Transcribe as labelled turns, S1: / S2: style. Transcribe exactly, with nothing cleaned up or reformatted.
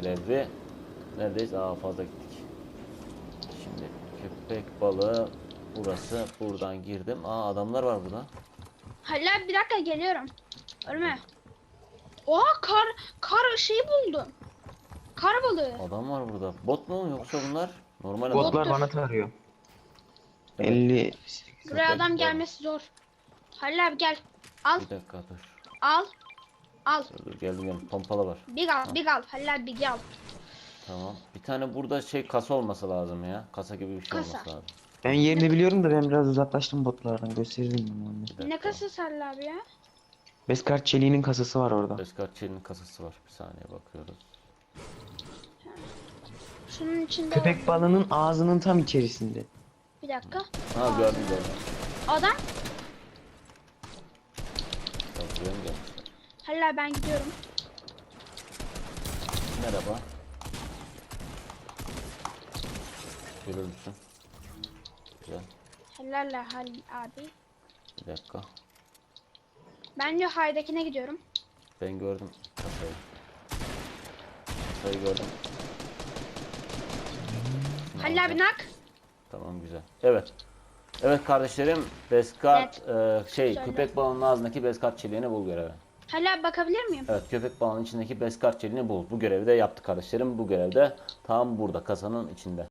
S1: görevi. Neredeyiz? Aa, fazla gittik. Şimdi köpek balığı burası. Buradan girdim. Aa, adamlar var burada.
S2: Halil abi bir dakika geliyorum. Ölme. Oha kar kar şeyi buldum. Kar balığı.
S1: Adam var burada. Bot mu yoksa bunlar? Normal adam.
S2: Bot.
S3: Botlar
S2: Bottur.
S3: bana tarıyor.
S1: Evet.
S3: elli
S2: Buraya
S1: Köpek
S2: adam
S1: balığı.
S2: gelmesi zor. Halil abi gel. Al.
S1: Bir dakika dur.
S2: Al. Al.
S1: Dur, dur geldim geldim. Pompalı var.
S2: Bir al. Bir al. Halil abi bir al.
S1: Tamam. Bir tane burada şey kasa olması lazım ya. Kasa gibi bir şey
S2: Kasa.
S1: olması lazım.
S3: Ben yerini biliyorum da ben biraz uzaklaştım botlardan. Gösteririm onu.
S1: Bir dakika.
S2: Ne kasası Halil abi ya?
S3: Beskar çeliğinin kasası var orada.
S1: Beskar Çelik'in kasası var. Bir saniye bakıyoruz.
S2: Şunun içinde.
S3: Köpek balığının ağzının tam içerisinde.
S2: Bir dakika.
S1: Ha, gördüm gördüm.
S2: Adam.
S1: Bak, buraya mı gelmişler?
S2: Halil abi ben gidiyorum.
S1: Merhaba. Görür müsün? Güzel.
S2: Helal Halil abi.
S1: Bir dakika.
S2: Ben de haydakine gidiyorum.
S1: Ben gördüm kasayı. Kasayı gördüm.
S2: Halil abi nak.
S1: Tamam, güzel. Evet. Evet kardeşlerim, Beskar
S2: Evet.
S1: e, şey
S2: Söyle.
S1: köpek balığının ağzındaki Beskar çeliğini bul görevi.
S2: Halil abi bakabilir miyim?
S1: Evet, köpek balığının içindeki Beskar çeliğini bul. Bu görevi de yaptı kardeşlerim. Bu görevde tam burada kasanın içinde.